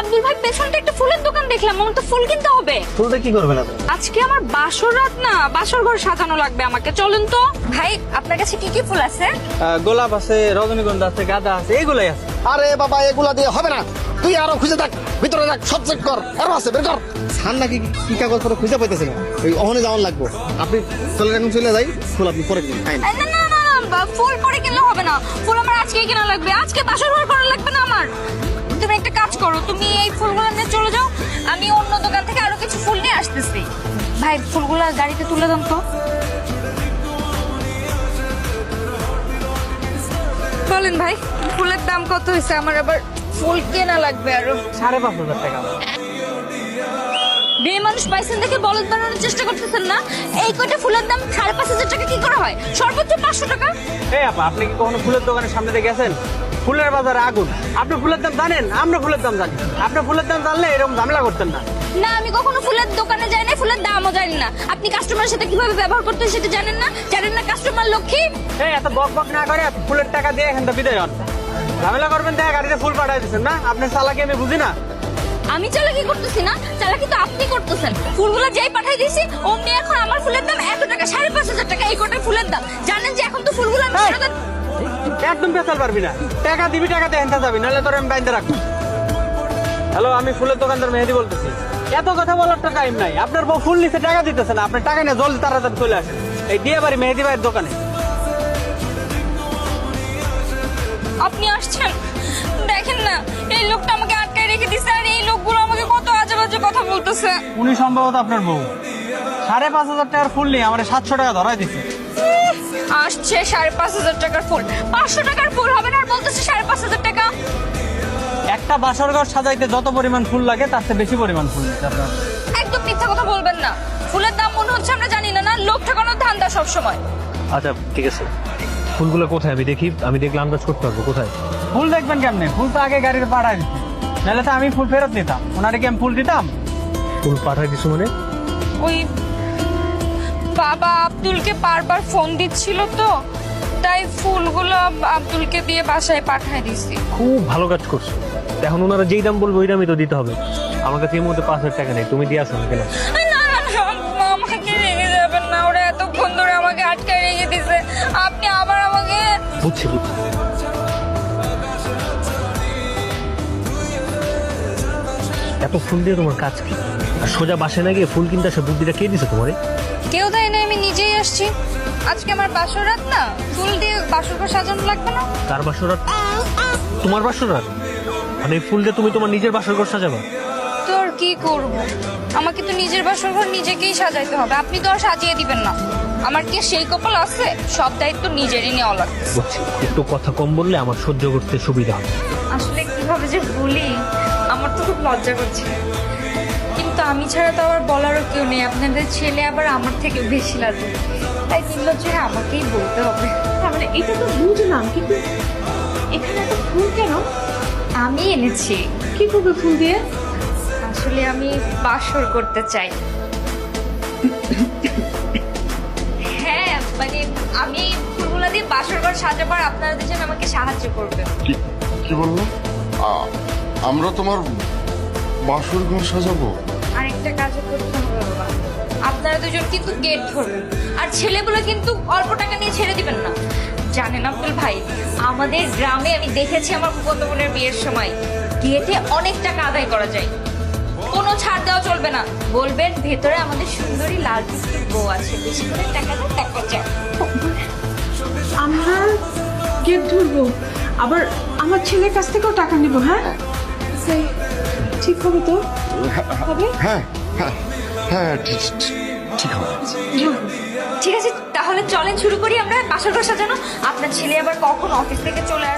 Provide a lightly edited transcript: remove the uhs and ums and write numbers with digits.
আব্দুল ভাই পেছনটা একটা ফুলের দোকান দেখলাম, আমার তো ফুল কিনতে হবে। ফুলটা কি করবেন আপনি? আজকে আমার বাসর রাত না, বাসর ঘর সাজানো লাগবে আমাকে, চলেন তো। ভাই আপনার কাছে কি কি ফুল আছে? গোলাপ আছে, রজনীগন্ধা আছে, গাঁদা আছে, এগুলাই আছে। আরে বাবা এগুলা দিয়ে হবে না, তুই আরো খুঁজে দেখ, ভিতরে দেখ, সব চেক কর, আরো আছে বের কর। ছান নাকি কি কাগজ করে খুঁজে পাইতেছে না, ওই অহনে যাওয়ার লাগবো। আপনি চলে এখন চলে যাই, ফুল আপনি পরে কিনুন। না না না না, ফুল পরে কিনলে হবে না, ফুল আমার আজকেই কেনা লাগবে, আজকে বাসর ঘর করা লাগবে না আমার। তুমি একটা কাজ করো, তুমি এই ফুলগুলো নিয়ে চলে যাও, আমি অন্য দোকান থেকে আরো কিছু ফুল নিয়ে আসতেছি। ভাই ফুলগুলো গাড়িতে তুলে দাও তো। বলেন ভাই, ফুলের দাম কত হয়েছে? আমার আবার ফুল কেনা লাগবে আরো। 5,500 টাকা। মেয়ে মানুষ পাইছেন দেখে বলদ বানানোর চেষ্টা করতেছেন না? এই কয়টা ফুলের দাম 5,500 টাকা কি করে হয়? সর্বোচ্চ 500 টাকা। এই আপা, আপনি কি কখনো ফুলের দোকানের সামনে দিয়ে গেছেন? ফুলের বাজারে আগুন। আপনি ফুলের দাম জানেন, আমরা ফুলের দাম জানি। আপনি ফুলের দাম জানলে এরকম ঝামেলা করতেন না। না, আমি কখনো ফুলের দোকানে যাই না, ফুলের দামও জানি না। আপনি কাস্টমারের সাথে কিভাবে ব্যবহার করতে হয় সেটা জানেন না? জানেন না কাস্টমার লক্ষ্মী? এই এত বক বক না করে ফুলের টাকা দিয়ে এখান থেকে বিদায় হন। ঝামেলা করবেন দেখে গাড়িতে ফুল পাঠাই দিচ্ছেন না? আপনার চালাকি আমি বুঝি না। আমি চালাকি করতেছি না, চালাকি তো আপনি করতেছেন। ফুলগুলো যেই পাঠাই দিয়েছি অমনি এখন আমার ফুলের দাম এত টাকা, 5,500 টাকা এই কটার ফুলের দাম। জানেন যে এখন তো ফুলগুলো আমি একদম পেছাল পারবি না, টাকা দিবি, টাকা দিয়ে এনতে যাবি, নাহলে তোর আমি বাইন্দে রাখবো। হ্যালো, আমি ফুলের দোকানদার মেহেদি বলতেছি। এত কথা বলার তো টাইম নাই। আপনার বউ ফুল নিচে টাকা দিতেছে না, আপনার টাকা নিয়ে জলদি তাড়াতাড়ি চলে আসেন এই দিয়ে বাড়ি মেহেদি ভাইয়ের দোকানে। আপনি আসছেন, দেখেন না এই লোকটা আমাকে আটকায় রেখে দিছে, আর এই লোকগুলো আমাকে কত আজে বাজে কথা বলতেছে। উনি সম্ভবত আপনার বউ। 5,500 টাকার ফুল নিয়ে আমার 700 টাকা ধরাই দিচ্ছে। আসছে 5,500 টাকার ফুল, 500 টাকার ফুল হবে না, আর বলতেছে 5,500 টাকা। একটা বাসর ঘর সাজাইতে যত পরিমাণ ফুল লাগে তার চেয়ে বেশি পরিমাণ ফুল দিচ্ছে আপনার। একদম মিথ্যা কথা বলবেন না, ফুলের দাম মনে হচ্ছে আমরা জানি না, না লোক ঠকানোর ধান্দা সব সময়। আচ্ছা ঠিক আছে, ফুলগুলো কোথায় আমি দেখি, আমি দেখলে আন্দাজ করতে পারবো কোথায়। ফুল দেখবেন কেমনে? ফুল তো আগে গাড়িতে পাঠাই দিচ্ছে, নাহলে তো আমি ফুল ফেরত নিতাম। ওনারে কি আমি ফুল দিতাম? ফুল পাঠাই দিছো মানে? ওই বাবা আব্দুলকে বারবার ফোন দিচ্ছিল তো, তাই ফুলগুলো আব্দুলকে দিয়ে বাসায় পাঠায় দিছি। খুব ভালো কাজ করছো। এখন ওনারা যেই দাম বলবো ওই দামই তো দিতে হবে। আমার কাছে এই মুহূর্তে 5,000 টাকা নেই, তুমি দিয়ে আসো না কেন? না না না, আমাকে রেখে যাবেন না, ওরা এতক্ষণ ধরে আমাকে আটকায় রেখে দিছে, আপনি আবার আমাকে। বুঝছি বুঝছি। এত ফুল দিয়ে তোমার কাজ কি? আর সোজা বাসে না গিয়ে ফুল কিনতে আসে বুদ্ধিটা কে দিছে তোমারে? কেউ দেয় না, আমি নিজেই আসছি। আজকে আমার বাসর রাত না, ফুল দিয়ে বাসর ঘর সাজানো লাগবে না? তার বাসরাত? তোমার বাসরাত? মানে এই ফুল দিয়ে তুমি তোমার নিজের বাসর ঘর সাজাবা? তোর কি করব, আমাকে তো নিজের বাসর ঘর নিজেকেই সাজাইতে হবে, আপনি তো আর সাজিয়ে দিবেন না। আমার কি সেই কপাল আছে? সব দায়িত্ব নিজেরই নেওয়া লাগবে। বুঝছি, একটু কথা কম বললে আমার সহ্য করতে সুবিধা হবে। আসলে কিভাবে যে বলি, আমার তো খুব লজ্জা করছে, কিন্তু আমি ছাড়া তো আবার বলারও কেউ নেই। আপনাদের ছেলে আবার আমার থেকে বেশি লাগে, তাই নির্লজ্জে আমাকেই বলতে হবে। মানে এটা তো বুঝলাম, কিন্তু এখানে এত ফুল কেন? আমি এনেছি। কি করবে ফুল দিয়ে? আসলে আমি বাসর করতে চাই। হ্যাঁ মানে আমি ফুলগুলো দিয়ে বাসর ঘর সাজাবার, আপনারা দুজন আমাকে সাহায্য করবেন। কি বললো? আমরা তোমার বাসর ঘর সাজাবো? আরেকটা কাজও করতে হবে বাবা, আপনারা দুজন কিন্তু গেট ধরবেন, আর ছেলেগুলো কিন্তু অল্প টাকা নিয়ে ছেড়ে দিবেন না। জানেন আব্দুল ভাই, আমাদের গ্রামে আমি দেখেছি আমার ফুফাতো বোনের বিয়ের সময় গেটে অনেক টাকা আদায় করা যায়, কোনো ছাড় দেওয়া চলবে না। বলবেন ভেতরে আমাদের সুন্দরী লাল টুকটুক বউ আছে, বেশি করে টাকা দাও, টাকা চাও। আমরা গেট ধরবো, আবার আমার ছেলের কাছ থেকেও টাকা নিব? হ্যাঁ সেই ঠিক হবে তো? হবে? হ্যাঁ হ্যাঁ হ্যাঁ, ঠিক হবে। ঠিক আছে, তাহলে চলেন শুরু করি আমরা বাসর ঘর সাজানো। আপনার ছেলে আবার কখন অফিস থেকে চলে